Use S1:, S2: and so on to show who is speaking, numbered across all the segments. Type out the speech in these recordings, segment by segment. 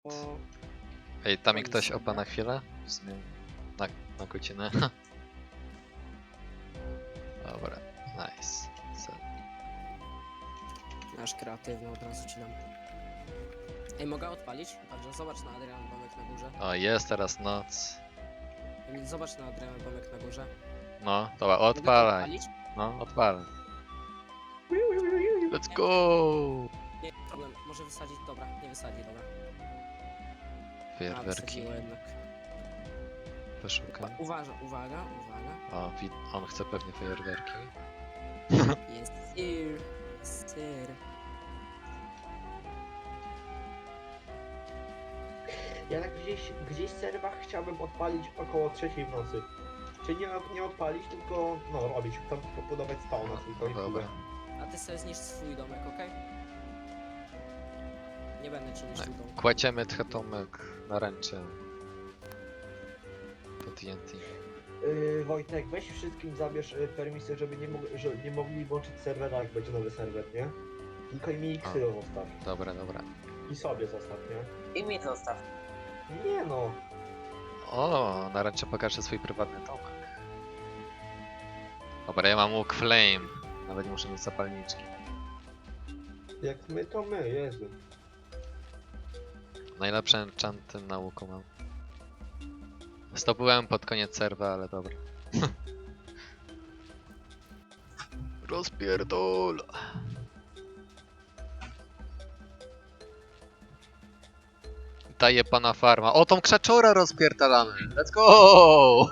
S1: O,
S2: Ej, tam mi
S1: Oni
S2: ktoś
S1: są,
S2: opa na
S1: nie?
S2: chwilę? W sumie na godzinę. Dobra, nice.
S1: nasz kreatywny od razu ci dam. Ej, mogę odpalić? Także zobacz na Adrian Bomek na górze.
S2: O, jest teraz noc.
S1: Emil, zobacz na Adrian Bomek na górze.
S2: No, dobra,
S1: Mogę to
S2: odpalaj.
S1: odpalić?
S2: No, odpalaj. Let's go!
S1: Nie, problem, może wysadzić, dobra, nie wysadzi, dobra. A,
S2: Fajerwerki.
S1: wysadziło jednak.
S2: Poszukam.
S1: Uwaga.
S2: O, on chce pewnie fajerwerki.
S1: Jest sir.
S3: Ja tak gdzieś w serwach chciałbym odpalić około 3 w nocy. Czyli nie odpalić, tylko no robić, tam pobudować spawna tylko i
S2: Dobra.
S3: tyle.
S1: A ty sobie zniszcz swój domek, okej? Nie będę ci niszczył domku.
S2: Kładziemy tchetomek na ręce. Po TNT.
S3: Wojtek, weź wszystkim zabierz permisję, żeby nie mogli włączyć serwera, jak będzie nowy serwer, nie? Tylko im Xylo zostaw.
S2: Dobra.
S3: I sobie zostaw, nie?
S4: I mi zostaw.
S3: Nie no.
S2: O, na ręce pokażę swój prywatny domek. Dobra, ja mam łuk flame. Nawet nie muszę mieć zapalniczki.
S3: Jak my, to my, Jezu.
S2: Najlepsze enchanty na łuku mam. Zdobyłem pod koniec serwa, ale dobra. Rozpierdol! Daję pana farma. O, tą krzaczorę rozpierdalamy! Let's go!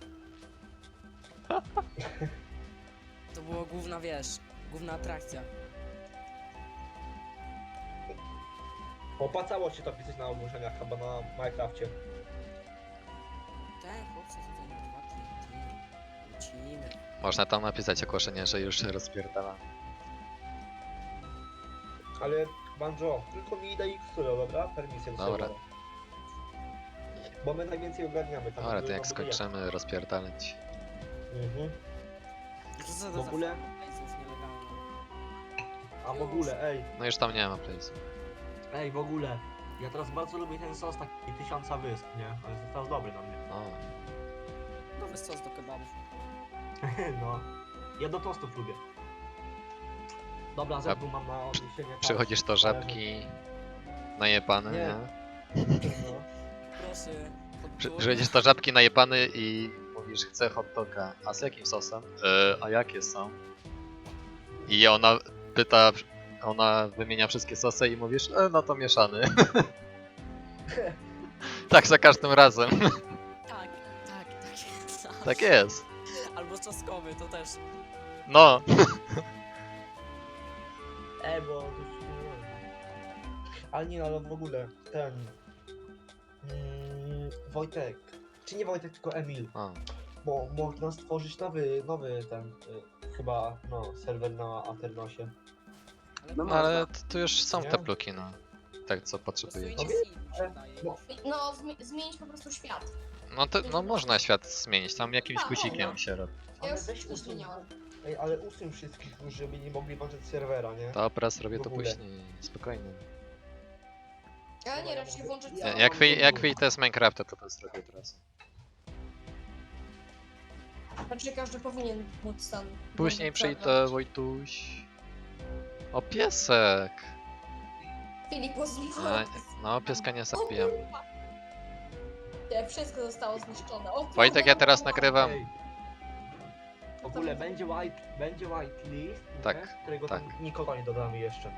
S1: To była główna, wiesz, główna atrakcja.
S3: Opłacało się to pisać na ogłoszeniach chyba na Minecrafcie.
S1: Ten chłopcy tutaj na 2 TNT. Lecimy.
S2: Można tam napisać ogłoszenie, że już się rozpierdalamy.
S3: Ale Banjo, tylko mi daj Xylo, dobra? Permisję do
S2: Dobra.
S3: serwera. Bo my najwięcej ogarniamy tam.
S2: Dobra, to jak
S3: no,
S2: skończymy rozpierdalać.
S3: Mhm.
S1: Co za
S3: W ogóle?
S1: Playsów nielegalnych.
S3: A w ogóle,
S2: No już tam nie ma place'u.
S3: w ogóle. Ja teraz bardzo lubię ten sos taki 1000 wysp, nie? Ale jest teraz dobry na mnie.
S2: O,
S1: Nowy sos do kebabów.
S3: No. Ja do tostów lubię. Dobra, zębu mam na odniesienie.
S2: przychodzisz do żabki najebany,
S3: Nie.
S2: nie?
S3: No.
S1: Proszę.
S2: Przychodzisz do żabki najebany i mówisz, chcę hot doga. A z jakim sosem? A jakie są? I ona pyta, ona wymienia wszystkie sosy i mówisz, no to mieszany. Tak za każdym razem.
S1: Tak jest.
S2: Tak jest.
S1: Albo czosnkowy, to też.
S2: No.
S3: Bo to już nie wiem. Ale nie, ale w ogóle ten. Wojtek. Czy nie Wojtek, tylko Emil.
S2: O,
S3: Bo można stworzyć nowy ten. Chyba no, serwer na Aternosie.
S4: No
S2: no ale
S4: można.
S2: tu już są
S3: Nie?
S2: te bloki, no. Tak co potrzebujecie.
S1: Głosujcie mi się wydaje.
S3: No.
S5: No, zmienić po prostu świat.
S2: No to no można świat zmienić, tam jakimś
S5: Tak,
S2: guzikiem
S3: no.
S2: się robi.
S5: Ja już
S3: weź
S5: wszystko
S3: usuń-
S5: zmieniałam.
S3: Ej, ale usuń wszystkich, żeby nie mogli włączyć serwera, nie?
S2: Dobra, zrobię to
S3: W ogóle.
S2: później, spokojnie.
S5: Ale nie, raczej włączyć
S3: Ja-
S2: Jak wyjdę z Minecrafta, to zrobię od razu.
S5: Raczej każdy powinien móc tam.
S2: Później
S5: włączyć
S2: przyjdę,
S5: serwer.
S2: Wojtuś. O, piesek!
S5: Filip
S2: A,
S5: pozwolił.
S2: no, pieska nie
S5: O
S2: zabijam.
S5: kurwa. Nie, wszystko zostało zniszczone. O,
S2: Wojtek, ja teraz
S5: kurwa.
S2: nagrywam.
S3: Ej. W ogóle będzie whitelist,
S2: Tak,
S3: nie? Którego
S2: tak.
S3: tam nikogo nie dodamy jeszcze.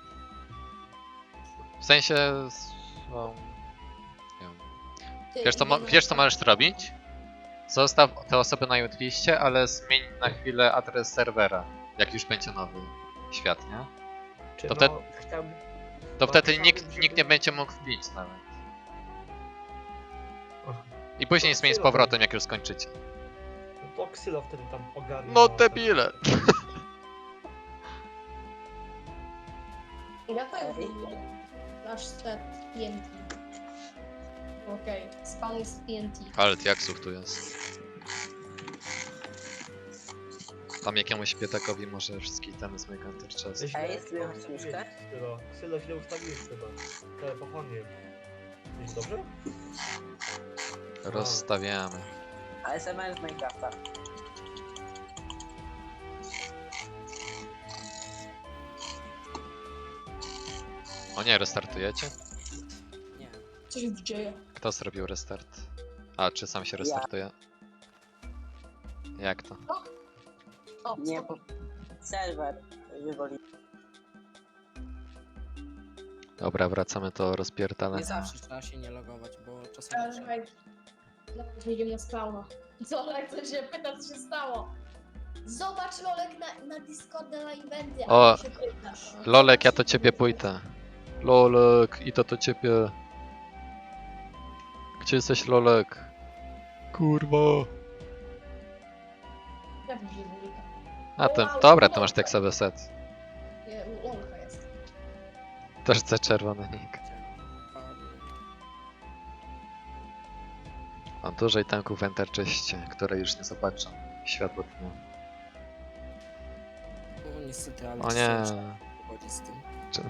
S2: W sensie... No, nie wiem.
S5: Ty,
S2: Wiesz co możesz zrobić? Zostaw te osoby na liście, ale zmień na chwilę adres serwera. Jak już będzie nowy świat, nie?
S3: Czy
S2: To
S3: no, chciałbym...
S2: To wtedy
S3: chciałbym,
S2: nikt nie
S3: żeby-
S2: będzie mógł wbić nawet.
S3: Och,
S2: I później zmień z powrotem, jak już skończycie.
S3: To Xylo wtedy tam ogarnie.
S2: No
S3: na-
S2: debile!
S5: Ja tak nasz set TNT. Okej, spawn jest TNT.
S2: Ale jaksów tu jest. Tam jakiemuś biedakowi może wszystkie itemy z mojego Enter Chest.
S3: Źle
S4: Ej, jest
S3: ustawiłeś,
S4: wyjąć myszkę?
S3: Xylo, źle ustawiłeś chyba. Telefonie. Jest dobrze?
S2: Rozstawiamy.
S4: ASMR z Minecrafta.
S2: O nie, restartujecie?
S1: Nie.
S5: Co się dzieje?
S2: Kto zrobił restart? A, czy sam się restartuje? Jak to?
S5: O,
S4: Nie,
S5: stop.
S4: bo serwer wywoli.
S2: Dobra, wracamy do rozpierdala.
S1: Nie zawsze trzeba się nie logować, bo czasami trzeba.
S5: Czekaj. Nawet wyjdziemy na spawna. Zolek, co się pyta, co się stało? Zobacz, Lolek, na Discorda na eventy,
S2: O,
S5: a ty się pytasz.
S2: Lolek, ja to ciebie pójdę. Lolek, i to ciebie. Gdzie jesteś, Lolek? Kurwa.
S5: Ja widzę Lolika.
S2: A ty, dobra, to masz tekstowy set.
S5: Nie, u Lolka jest.
S2: Też chcę czerwony nick. Mam dużo tanków w Enterczyście, które już nie zobaczą światło dnia.
S1: No niestety, ale
S2: O nie.
S1: chodzi z tym.
S2: Czy...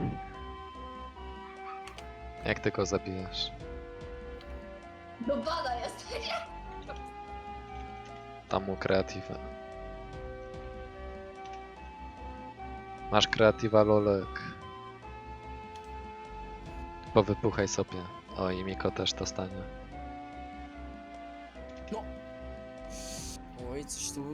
S2: Jak ty go zabijesz?
S5: Do bada jest.
S2: Tam mu kreatywę. Masz kreatywa, Lolek. Powypuchaj sobie. O, i Miko też dostanie.
S1: Oj, coś tu.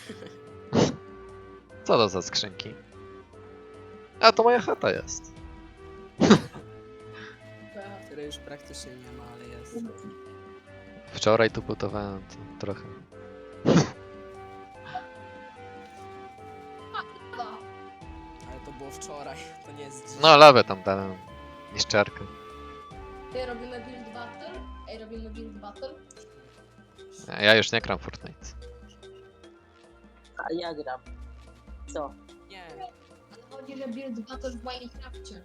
S2: Co to za skrzynki? A, to moja chata jest.
S1: Której już praktycznie nie ma, ale jest.
S2: Wczoraj tu budowałem to trochę.
S1: Ale to było wczoraj, to nie jest dziś.
S2: No, lawę tam dałem. Niszczarkę.
S5: Ej, robimy build battle? Ej, robimy build battle?
S2: Ja już nie gram w Fortnite.
S4: A ja gram. Co?
S1: Nie,
S5: Ale chodzi, że build battle w Minecrafcie.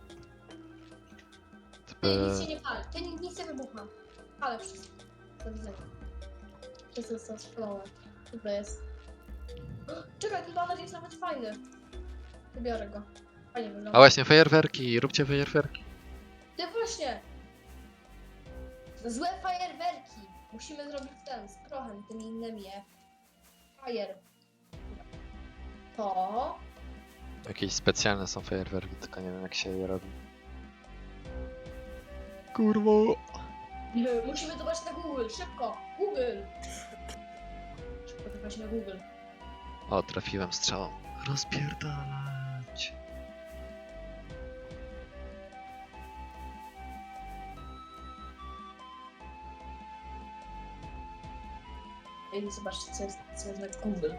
S5: Ty
S2: Typy...
S5: nic się nie pali, ty nic nie wybucha. Ale wszystko. Do widzenia. Wszystko jest spalone. Dobra jest. Czekaj, ten baner jest nawet fajny. Wybiorę go. Fajnie
S2: A
S5: wygląda.
S2: właśnie, fajerwerki, róbcie fajerwerki.
S5: Ty właśnie! Złe fajerwerki! Musimy zrobić ten, z prochem, tymi innymi, Fajer. To...
S2: Jakieś specjalne są fajerwerki, tylko nie wiem jak się je robi. Kurwo!
S5: Musimy zobaczyć na Google, szybko! Google! Szybko zobaczyć na Google.
S2: O, trafiłem strzałą. Rozpierdalać.
S5: I zobaczcie, co jest na Google.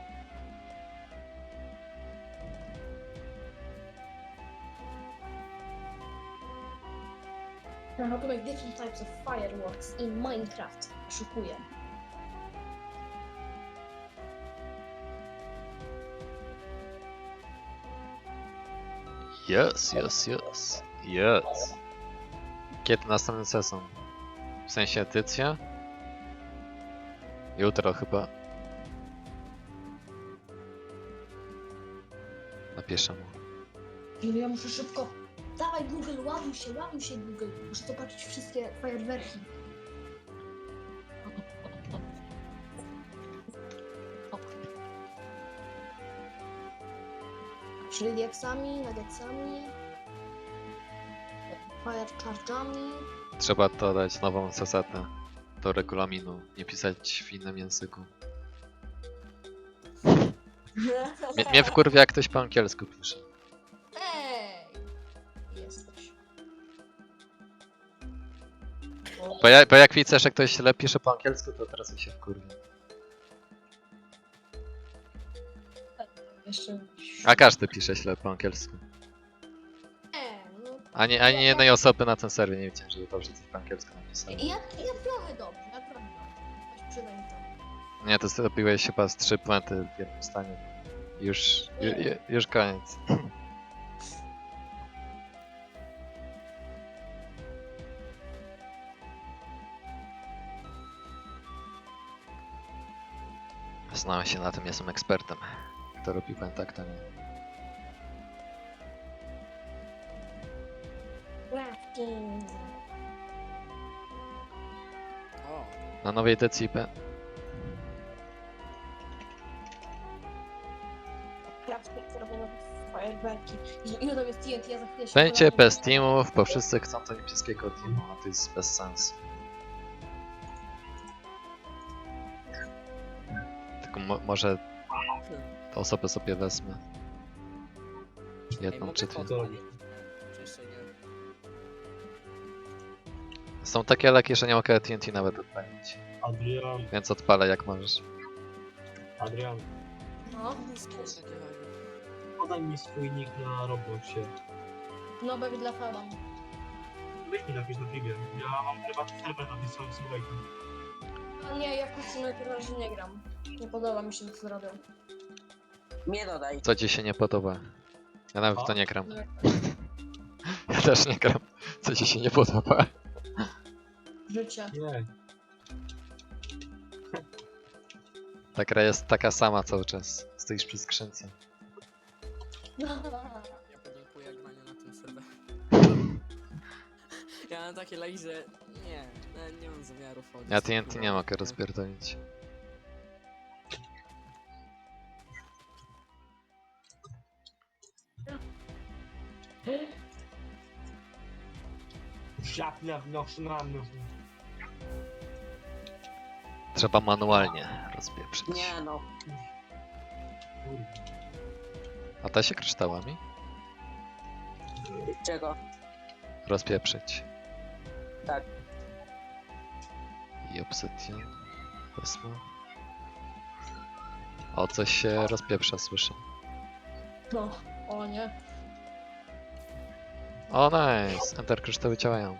S5: How to make different types of fireworks in Minecraft. Szukuję.
S2: Yes. Yes. Kiedy następny sezon? W sensie edycja? Jutro chyba. Napiszę mu.
S5: Ja muszę szybko. Dawaj Google, ładuj się Google. Muszę zobaczyć wszystkie fajerwerki. Czyli diaksami, nuggetsami, fire charge'ami.
S2: Trzeba dodać nową zasadę do regulaminu. Nie pisać w innym języku. Mnie wkurwia jak ktoś po angielsku pisze.
S5: Ej! Jesteś.
S2: Bo jak widzę, że ktoś źle pisze po angielsku, to teraz mi się wkurwia.
S5: Jeszcze...
S2: A każdy pisze źle po angielsku.
S5: No.
S2: Ani jednej osoby na tym serwie nie widziałem, żeby dobrze coś po angielsku napisał.
S5: Ja trochę dobrze, Weź przynaj mi to.
S2: Nie, to zrobiłeś chyba z 3 puenty w jednym stanie. Już koniec. Znałem się na tym, jestem ekspertem. Kto robi puenta, kto nie.
S5: Crafting.
S2: Na nowej DCP.
S5: Ja w robię fajerwerki. Ile tam jest TNT, ja za chwilę się
S2: Będzie
S5: pojawię.
S2: bez teamów, bo wszyscy chcą to niebieskiego teamu, a to jest bez sensu. Tylko może te osoby sobie wezmę.
S1: Ej,
S2: Jedną
S1: mogę
S2: czy dwie.
S1: odpalić? Czy jeszcze nie?
S2: Są takie leki, że nie mogę TNT nawet odpalić.
S3: Adrian,
S2: Więc odpalę jak możesz.
S3: Adrian,
S5: No,
S3: podaj mi swój nick na Robloxie.
S5: no baby dla Feba.
S3: Weź mi napisz na filmie. Ja mam prywatny serwer napisałem słuchaj.
S5: A nie, ja w Kucynek na razie nie gram. Nie podoba mi się to, co robią.
S4: Mnie dodaj.
S2: Co ci się nie podoba? Ja nawet w to nie gram.
S5: Nie.
S2: Ja też nie gram. Co ci się nie podoba?
S5: Życie.
S3: Nie.
S2: Ta gra jest taka sama cały czas. Stoisz przy skrzynce.
S1: Ja podziękuję graniu na tym serwerze. Ja mam takie lagi, że nie, nie mam zamiaru wchodzić.
S2: Ja TNT nie mogę rozpierdolić.
S3: Żadna wnoszona.
S2: Trzeba manualnie rozpieprzyć.
S4: Nie no.
S2: A da się kryształami?
S4: Czego?
S2: Rozpieprzyć.
S4: Tak.
S2: I obsydian. Wezmę. O, coś się rozpieprza, słyszę.
S5: No, o nie.
S2: O, nice! Enter kryształy działają.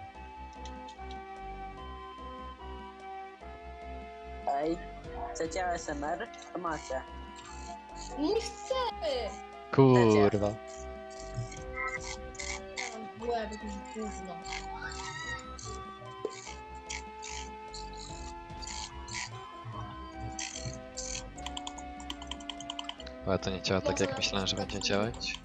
S4: Ej, chcecie ASMR? To macie.
S5: Nie chcemy!
S2: Kurwa.
S5: Mam łeb, jakieś gówno.
S2: Ale to nie działa tak, jak myślałem, że będzie działać.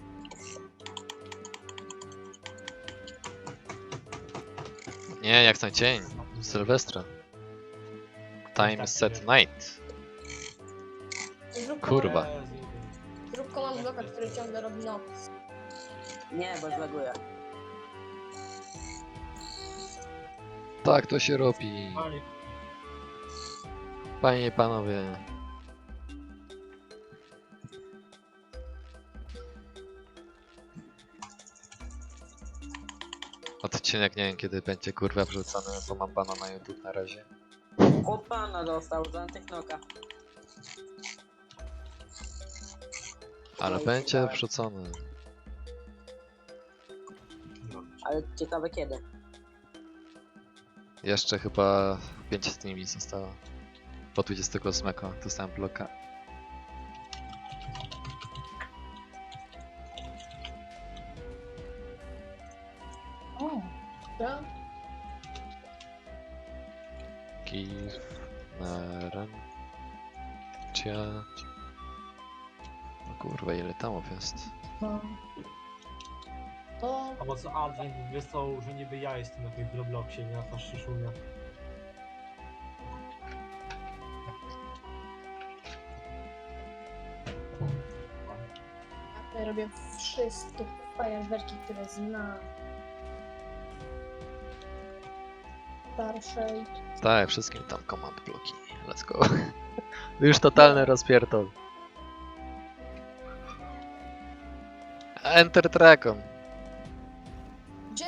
S2: Nie, jak ten dzień. Sylwestra. Time set night.
S5: Zrób
S2: Kurwa.
S5: Zrób command bloka, który ciągle robi noc.
S4: Nie, bo zlaguję.
S2: Tak to się robi.
S3: Panie,
S2: Panie i panowie. Odcinek nie wiem kiedy będzie kurwa wrzucony, bo mam bana na YouTube na razie.
S4: Chłop pana dostał z antyknoka.
S2: Ale będzie wrzucony.
S4: Ale ciekawe kiedy.
S2: Jeszcze chyba 5 dni mi zostało. Po 28 dostałem bloka.
S5: O, ja?
S2: Give Naren. Cia. No kurwa, ile tamów jest?
S5: No. O,
S3: a bo co Adrian wysłał, że niby ja jestem na tym Robloxie, nie na ta szyszunia.
S5: ja robię wszystkie fajerwerki, które znam. Starszej.
S2: Tak, wszystkim tam command bloki. Let's go. Już totalny rozpierdol. Enter Dragon.
S5: Gdzie?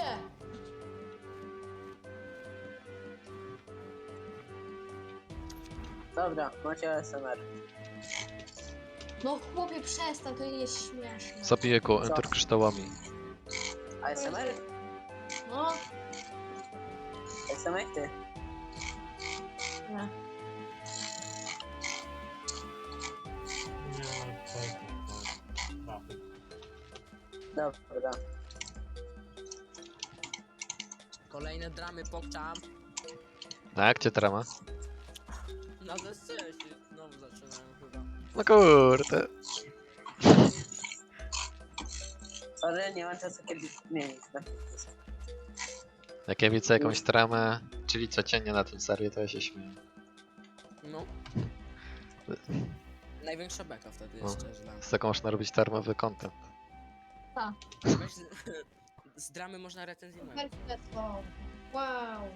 S4: Dobra, macie ASMR.
S5: No chłopie, przestań, to nie jest śmieszne.
S2: Zabiję go enter kryształami.
S4: ASMR?
S5: No,
S4: ASMR ty.
S5: nie.
S3: Nie, tak.
S4: Dobra.
S1: Kolejne dramy pokczam.
S2: A jak cię trama?
S1: Na desce się znowu zaczynają chyba.
S2: No kurde.
S4: Sorry, nie mam czasu kiedy zmienić.
S2: Jak ja widzę jakąś tramę, czyli codziennie na tym serii, to ja się śmieję.
S1: No. Największa beka wtedy
S2: No.
S1: jest, szczerze. dla mnie.
S2: Z tego można robić darmowy content.
S1: Weź z dramy można recenzyjność.
S5: Perfekto. Wow.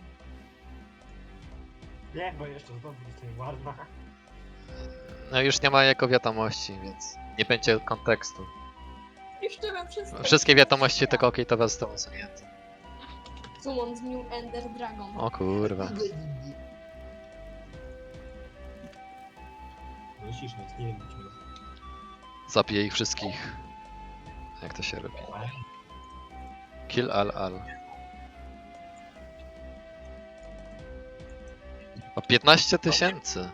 S3: Nie, bo jeszcze znowu dostanie ładna.
S2: No już nie ma jako wiadomości, więc nie będzie kontekstu.
S5: Jeszcze mam wszystko.
S2: Wszystkie wiadomości tego okejtowe zostały usunięte.
S5: Summon z New Ender Dragon.
S2: O kurwa.
S3: Musisz mieć, nie wiem, czy
S2: Zabiję ich wszystkich. Jak to się robi? Kill all. O 15 000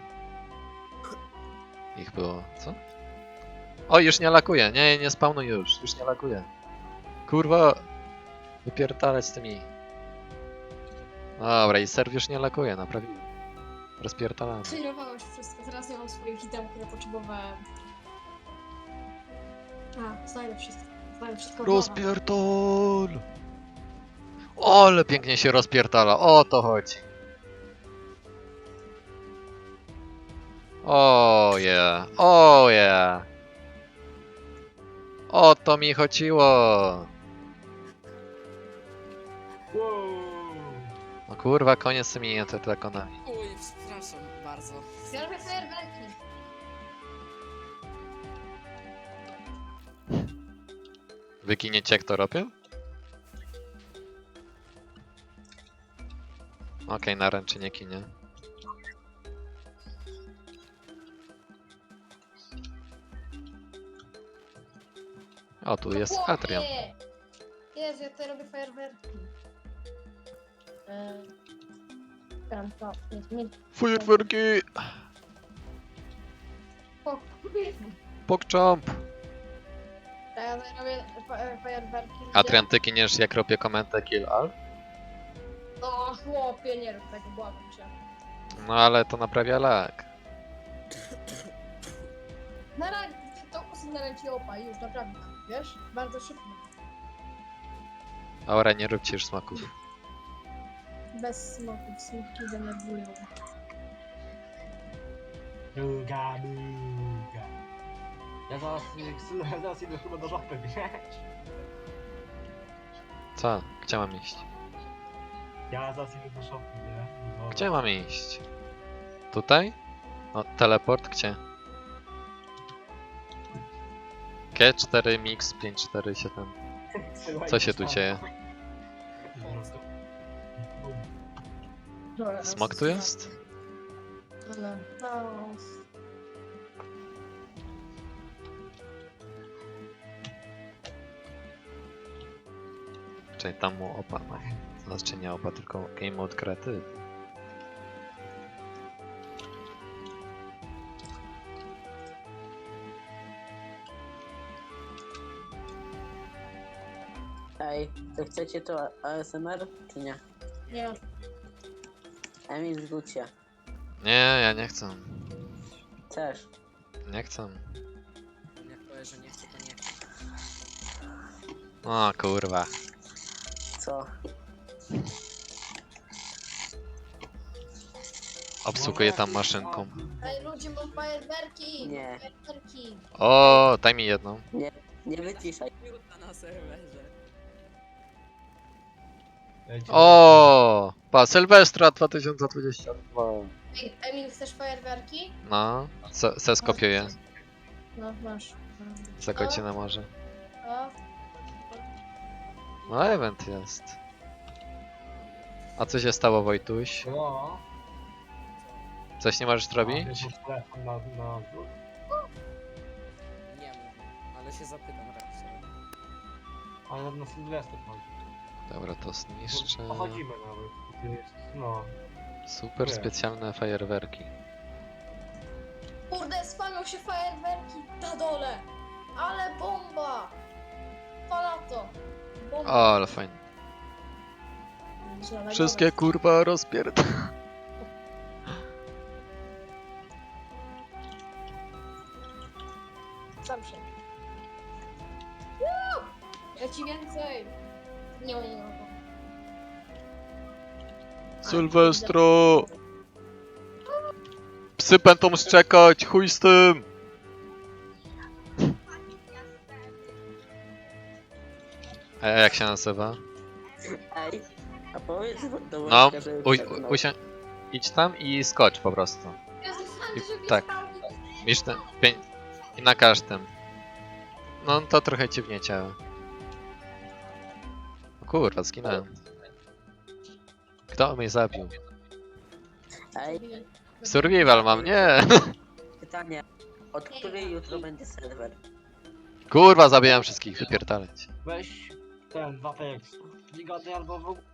S2: ich było, co? O, już nie lakuje, nie spawnuj już nie lakuje. Kurwa, wypierdalać z tymi. Dobra, i serw już nie lakuje, naprawiłem. Rozpierdalamy.
S5: Przejrowałeś wszystko, teraz nie mam swoich item, które potrzebowałem. Znajdę wszystko. Znajdę wszystko.
S2: Rozpierdol! O, ale pięknie się rozpierdala, o to chodzi. O yeah, o yeah. O to mi chodziło.
S3: Wow.
S2: No kurwa, koniec z tymi drakonami.
S1: Uj, przepraszam bardzo.
S5: Ja robię fajerwerki.
S2: Wyginiecie jak to robię? Okej, na ręczy nie kinie. O, tu jest Adrian.
S5: Jezu, ja tutaj robię fajerwerki. Tam to, nie.
S2: Fajerwerki!
S5: O,
S2: Pogchamp!
S5: ja tutaj robię fajerwerki.
S2: Adrian, ty kiniesz jak robię komentę kill all?
S5: O, chłopie, nie rób tego, błagam cię.
S2: No ale to naprawia lag.
S5: Na razie, to kusy na ręce opa, już naprawdę, wiesz? Bardzo szybko.
S2: Aura, nie róbcie już smaków.
S5: Bez smoków, smutki denerwują.
S3: Buga. Ja zaraz idę chyba do żopy, wiesz?
S2: Co? Gdzie mam iść?
S3: Ja zaraz idę do szopy, nie? No.
S2: Gdzie mam iść? Tutaj? No, teleport gdzie? G4 Mix 547. Co się tu dzieje? Smok tu jest?
S5: Ale, no.
S2: Czyli tam mu opa, no. Znaczy nie opa, tylko Game Mode Creative.
S4: Ej, to chcecie to ASMR, czy nie?
S5: Nie.
S4: Emil, zgódź się.
S2: Nie, ja nie chcę.
S4: Też.
S2: Nie chcę.
S1: Jak powiesz, że nie chcę, to nie chcę.
S2: O kurwa.
S4: Co?
S2: Obsługuję tam maszynką.
S5: Ej, ludzie, mam fajerwerki!
S4: Nie.
S5: Fajerwerki!
S2: O, daj mi jedną.
S4: Nie wyciszaj.
S1: Minuta na serwerze.
S2: O, pa, Sylwestra 2022.
S5: Ej, Emil, chcesz fajerwerki?
S2: No, se skopiuję.
S5: No, masz.
S2: Za godzinę może.
S5: O,
S2: No, event jest. A co się stało, Wojtuś?
S3: No.
S2: Coś nie możesz zrobić?
S3: Telefon na dwór.
S1: Nie mówię, ale się zapytam raz sobie.
S3: Ale na Sylwester chodzi.
S2: Dobra, to zniszczę.
S3: Pochodzimy nawet. To jest, no.
S2: Super
S3: Nie.
S2: specjalne fajerwerki.
S5: kurde, spamią się fajerwerki na dole! Ale bomba! Palato! Bomba!
S2: O, ale fajnie.
S5: Zielonego
S2: Wszystkie kurwa rozpierd...
S5: Sam się. Ja ci więcej! Nie mogę.
S2: Sylwestro! Psy będą szczekać, chuj z tym! A jak się nazywa?
S4: Ej, a powiedz do
S2: No,
S4: Wojtka, żeby przepnął.
S2: idź tam i skocz po prostu.
S5: Jezu, Sandy, żeby
S2: tak. Wiesz, i na każdym. No to trochę dziwnie ciało. O kurwa, zginąłem. Kto mnie zabił?
S4: Ej,
S2: Survival mam, nie!
S4: pytanie. Od której jutro będzie serwer?
S2: Kurwa, zabijam wszystkich, wypierdalać.
S6: Weź ten, Wapex. Nie gadaj albo w ogóle